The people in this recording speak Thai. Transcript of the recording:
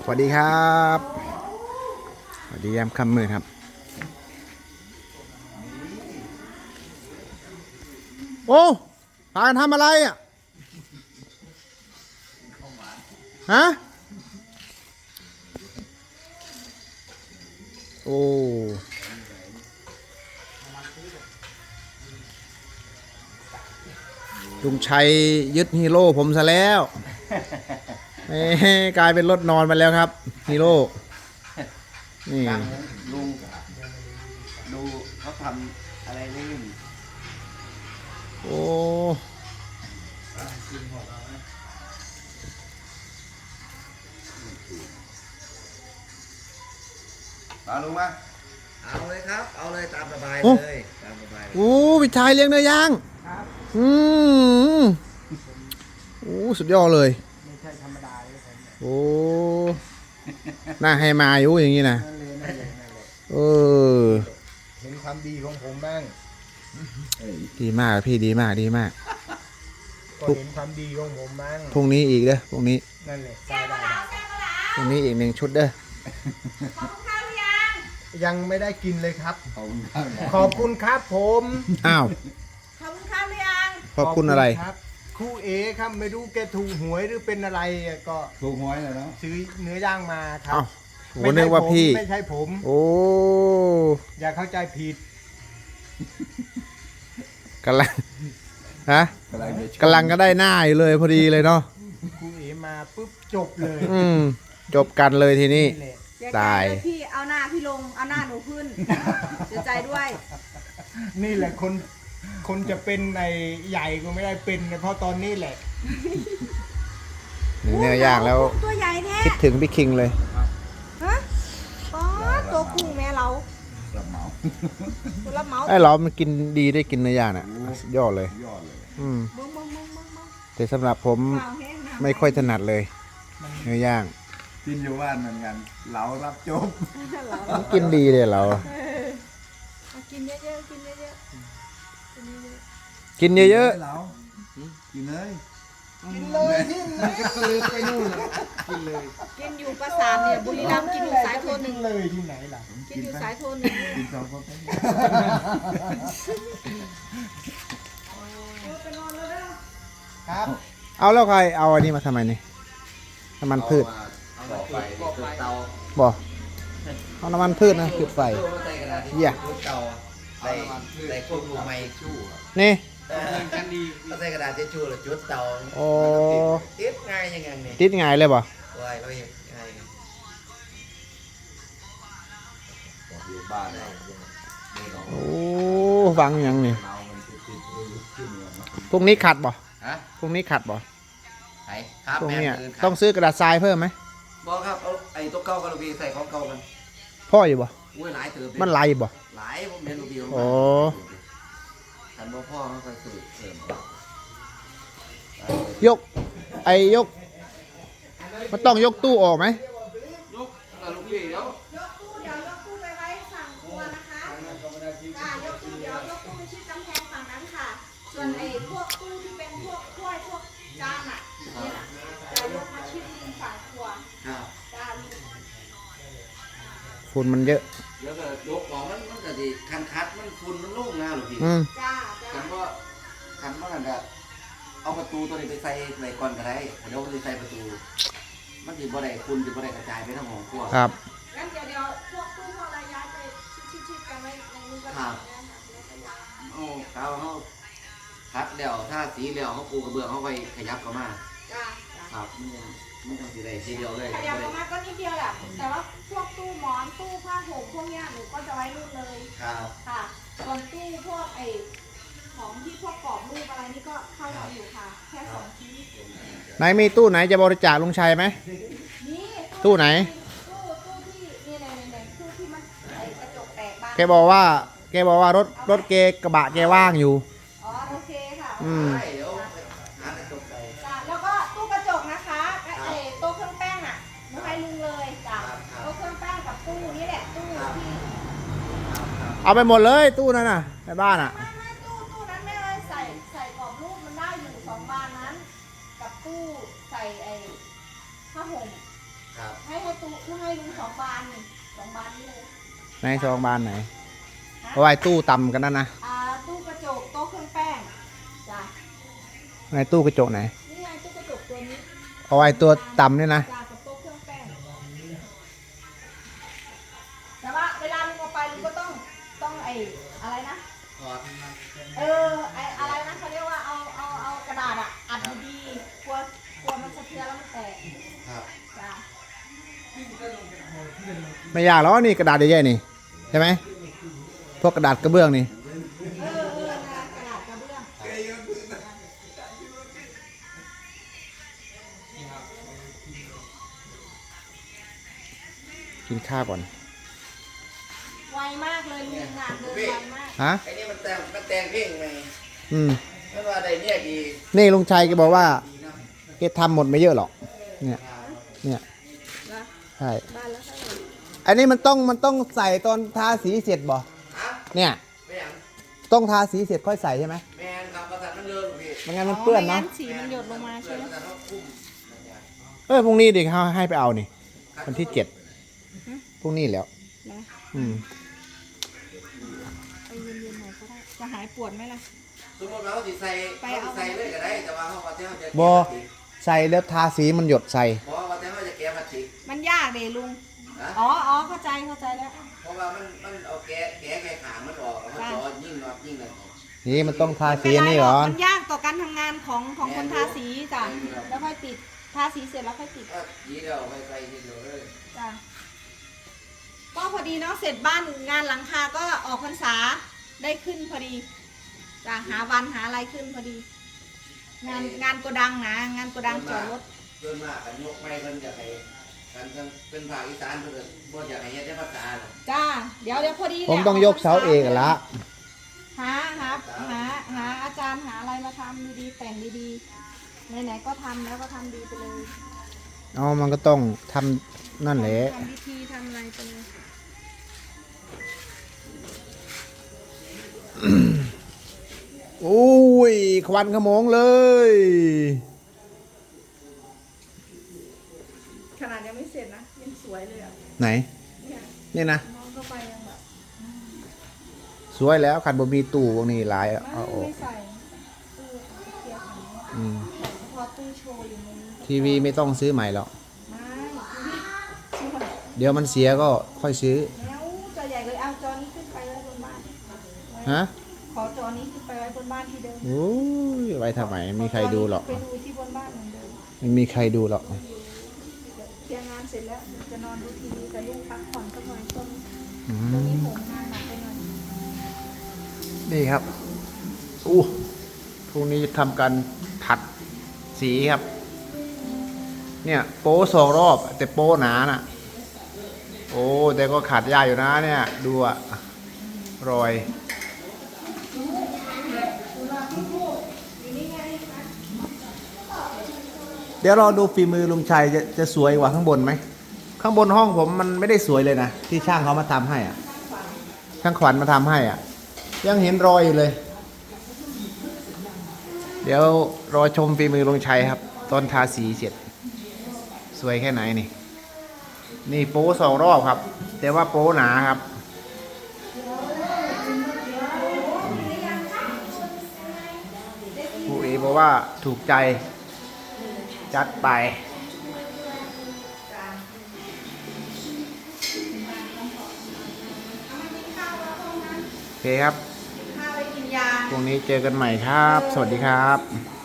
สวัสดีครับสวัสดียามค่ำมืดครับโอ้พากันทำอะไรอ่ะฮะโอ้ลุงชัยยึดฮีโร่ผมซะแล้วกลายเป็นรถนอนไปแล้วครับฮีโร่นี่ลุงดูเขาทำอะไรนี่โอ้มาลุงมาเอาเลยครับเอาเลยตามสบายเลยตามสบายเลยโอ้พี่ชายเลี้ยงเนื้อย่างโอ้สุดยอดเลยไม่ใช่ธรรมดาเลยผมโอ้น่าให้มาอยู่อย่างนี้นะนั่นเลยเห็นความดีของผมบ้างดีมากพี่ดีมากดีมากก็เห็นความดีของผมบ้างพรุ่งนี้อีกเด้อพรุ่งนี้นั่นแหละได้พรุ่งนี้อีก1 ชุดเด้อขอบคุณข้าวหรือยังยังไม่ได้กินเลยครับขอบคุณครับผมอ้าวขอบคุณข้าวหรือยังขอบคุณอะไรครับครูเอครับไม่รู้แกถูกหวยหรือเป็นอะไรก็ถูกหวยเลยเนาะซื้อเนื้อย่างมาครับผมนึกว่าพี่ไม่ใช่ผมโอ้อย่าเข้าใจผิดกำลังฮะกำลังก็ได้หน้าอยู่เลยพอดีเลยเนาะครูเอมาปุ๊บจบเลยจบกันเลยทีนี้ตายพี่เอาหน้าพี่ลงเอาหน้าหนูขึ้นเสียใจด้วยนี่แหละคนจะเป็นในใหญ่ก็ไม่ได้เป็นเพราะตอนนี้แหละเนื้อย่างแล้วตัวใหญ่แท้คิดถึงพี่คิงเลยฮะอ๋อตัวกุ้งแม่เรารับเหมาไอ้เรามันกินดีได้กินเนื้อย่างน่ะยอดเลยแต่สำหรับผมไม่ค่อยถนัดเลยเนื้อย่างกินอยู่บ้านเหมือนกันเรารับจบกินดีเลยเรากินเยอะๆกินเยอะๆกินเยอะๆเรากินเลยกินเลยที่ไหนก็เลยไปนู่นกินเลยกินอยู่ประสาทเนี่ยบุรีรัมย์กินอยู่สายโทนหนึ่งเลยที่ไหนล่ะกินอยู่สายโทนหนึ่งกินสองคนครับเอาแล้วใครเอาอันนี้มาทำไมนี่น้ำมันพืชบอกเอาน้ำมันพืชนะจุดไฟเยี่ยใส่ควบคุมไม้ชู่นี่ใส่กระดาษเช็ดชู่หรือจุดเตาโอ้ติดง่ายยังไงนี่ติดง่ายเลยบ่ง่ายเลยง่ายอยู่บ้านเลยโอ้ฟังยังนี่พรุ่งนี้ขัดบ่พรุ่งนี้ขัดบ่ครับพรุ่งนี้ต้องซื้อกระดาษทรายเพิ่มไหมบอกครับเอาไอ้ตัวเก่ากับลูกพี่ใส่ของเก่ากันพ่ออยู่บ่หลายเติมมันไหลบ่หลายผมเห็นลูกพี่โอ้ทันบ่พ่อเขาคอยสื่อเสริมยกมันต้องยกตู้ออกไหมยกลูกพี่เดี๋ยวยกตู้ไปไว้ฝั่งครัวนะคะยกตู้ไปชิดกำแพงฝั่งนั้นค่ะส่วนไอ้พวกตู้ที่เป็นพวกถ้วยพวกจานอ่ะนี่น่ะจะยกมาชิดฝั่งครัวฝุ่นมันเยอะแล้วก็ยกของมันก็ดีคัดมันฝุ่นมันลุ่งนะหรือพี่คันว่ากันก็เอาประตูตัวนี้ไปใส่ไว้ก่อนก็ได้เดี๋ยวมันจะใส่ประตูมันจะบ่ได้ฝุ่นจะบ่ได้กระจายไปทั้งห้องครัวครับงั้นเดี๋ยวพวกตู้พวกอะไรย้ายไปชิดกันไว้ในนู้นก็ได้โอ้เขาคัดแล้วถ้าสีแล้วเขาปูกระเบื้องเขาไปขยับเข้ามาครับมันต้องสีใดทีเดียวเลยขยับเข้ามาก็นิดเดียวแหละแต่ว่าพวกตู้หมอนตู้ผ้าห่มพวกเนี้ยหนูก็จะไว้นู่นเลยครับค่ะส่วนตู้พวกไอ้ของที่พวกกรอบรูปอะไรนี่ก็เข้าอยู่ค่ะแค่2 ชิ้นไหนมีตู้ไหนจะบริจาคลุงชัยไหมตู้ไหนตู้ที่นี่ในตู้ที่มันกระจกแตกบ้างแกบอกว่ารถเกกระบะแกว่างอยู่อ๋อโอเคค่ะแล้วก็ตู้กระจกนะคะไอ้โต๊ะเครื่องแป้งอ่ะไม่ให้ลุงเลยจ้ะโต๊ะเครื่องแป้งกับตู้นี่แหละตู้ที่เอาไปหมดเลยตู้นั้นน่ะในบ้านอ่ะไม่ตู้นั้นไม่เลยใส่กรอบรูปมันได้อยู่2 บานนั้นกับตู้ใส่ไอ้ผ้าห่มครับให้ตู้ให้ลุง2 บานนี่2 บานนี่เลยในซองบานไหนเอาไว้ตู้ต่ำกันนั่นนะตู้กระจกโต๊ะเครื่องแป้งจ้ะในตู้กระจกไหนนี่ไงตู้กระจกตัวนี้เอาไว้ตัวต่ำเนี่ยนะจ้ะกับโต๊ะเครื่องแป้งแต่ว่าเวลาลุงเอาไปลุงก็ต้องไอ้อะไรนะถอดไอ้อะไรนะเขาเรียกว่าเอากระดาษอ่ะอัดดีๆกลัวมันสะเทือนแล้วมันแตกครับจ้ะไม่ยากหรอกนี่กระดาษใหญ่ๆนี่ใช่ไหมพวกกระดาษกระเบื้องนี่นะกระดาษกระเบื้องกินข้าวก่อนไวมากเลยลุงงานเดินไวมากฮะไอ้นี่มันแต่งเพลงไหมอืมไม่ว่าใดเนี่ยดีนี่ลุงชัยแกบอกว่าดีนะแกทำหมดไม่เยอะหรอกเนี่ยเนี่ยนะใช่บ้านแล้วเท่าไหร่อันนี้มันต้องใส่ตอนทาสีเสร็จบ่ฮะเนี่ยไม่อย่างต้องทาสีเสร็จค่อยใส่ใช่ไหมแมนครับประสานมันเดินพี่ไม่งั้นมันเปื้อนเนาะไม่งั้สีมันหยดลงมาใช่ไหมประสานเขาคุ้มพรุ่งนี้เด็กเขาให้ไปเอานี่วันที่7พรุ่งนี้แล้วนะอืมไปเย็นๆหน่อยก็ได้จะหายปวดไหมล่ะสมมติว่าเขาสิใส่เขาใส่เลยก็ได้แต่ว่าเขาว่าแต่เขาจะบอใส่แล้วทาสีมันหยดใส่เพราะว่าแต่เขาจะแก้พลาสติกมันยากเดลุงนะอ๋อเข้าใจแล้วเพราะว่ามันเอาแก้ขางมันออกแล้วมันจอยิ่งน็อตยิ่งอะไรนี่มันต้องทาสีอันนี้ก่อนมันยากต่อการทำงานของคนทาสีจ้ะแล้วค่อยติดทาสีเสร็จแล้วค่อยติดก็ยีเดียวไปใส่ทีเดียวเลยจ้ะก็พอดีเนาะเสร็จบ้านงานหลังคาก็ออกพรรษาได้ขึ้นพอดีจ้ะหาวันหาอะไรขึ้นพอดี งานโกดังนะงานโกดังจอดรถเดินมากันยกไม้เพิ่นจะให้กันเป็นภาคอีสานเพิ่นบ่อยากให้เฮ็ดได้ภาษาหรอกจ้าเดี๋ยวพอดีผมต้องยกเสาเอกละหาอาจารย์หาอะไรมาทำดีๆแต่งดีๆไหนๆก็ทำแล้วก็ทำดีไปเลยเอามันก็ต้องทำนั่นแหละทำพิธีทำอะไรไปเลยโอ้ยควันขโมงเลยขนาดยังไม่เสร็จนะยังสวยเลยอ่ะไหนเนี่ยนี่นะมองเข้าไปยังแบบสวยแล้วขันบ่มีตู้พวกนี้หลายเอาออกไม่ใส่ตู้เคลียร์ถังอืมเฉพาะตู้โชว์อยู่ในนี้ทีวีไม่ต้องซื้อใหม่หรอกไม่ช่วยเดี๋ยวมันเสียก็ค่อยซื้อแล้วจอใหญ่เลยเอาจอนี้ขึ้นไปไว้บนบ้านฮะขอจอนี้ขึ้นไปไว้บนบ้านที่เดิมโอ้ยไว้ทำไมไม่มีใครดูหรอกไปดูที่บนบ้านเหมือนเดิมไม่มีใครดูหรอกเคลียร์งานเสร็จแล้วจะนอนดูทีวีกับลูกพักผ่อนสักหน่อยต้นอืตรงนี้มผมงานหนักไปหน่อยนี่ครับอู้พรุ่งนี้จะทำการขัดสีครับ เนี่ยโป้2 รอบแต่โป้หนาน่ะ โอ้แต่ก็ขัดยากอยู่นะเนี่ย ดูอะรอย เดี๋ยวรอดูฝีมือลุงชัยจะสวยกว่าข้างบนไหม ข้างบนห้องผมมันไม่ได้สวยเลยนะ ที่ช่างเขามาทำให้อ่ะ ช่างขวัญมาทำให้อ่ะ ยังเห็นรอยอยู่เลย เดี๋ยวรอชมฝีมือลุงชัยครับ ตอนทาสีเสร็จ สวยแค่ไหนนี่ นี่โป้2 รอบครับ แต่ว่าโป้หนาครับผู้เอบอกว่าถูกใจ จัดไป โอเคครับข้าวไปกินยาพรุ่งนี้เจอกันใหม่ครับ สวัสดีครับ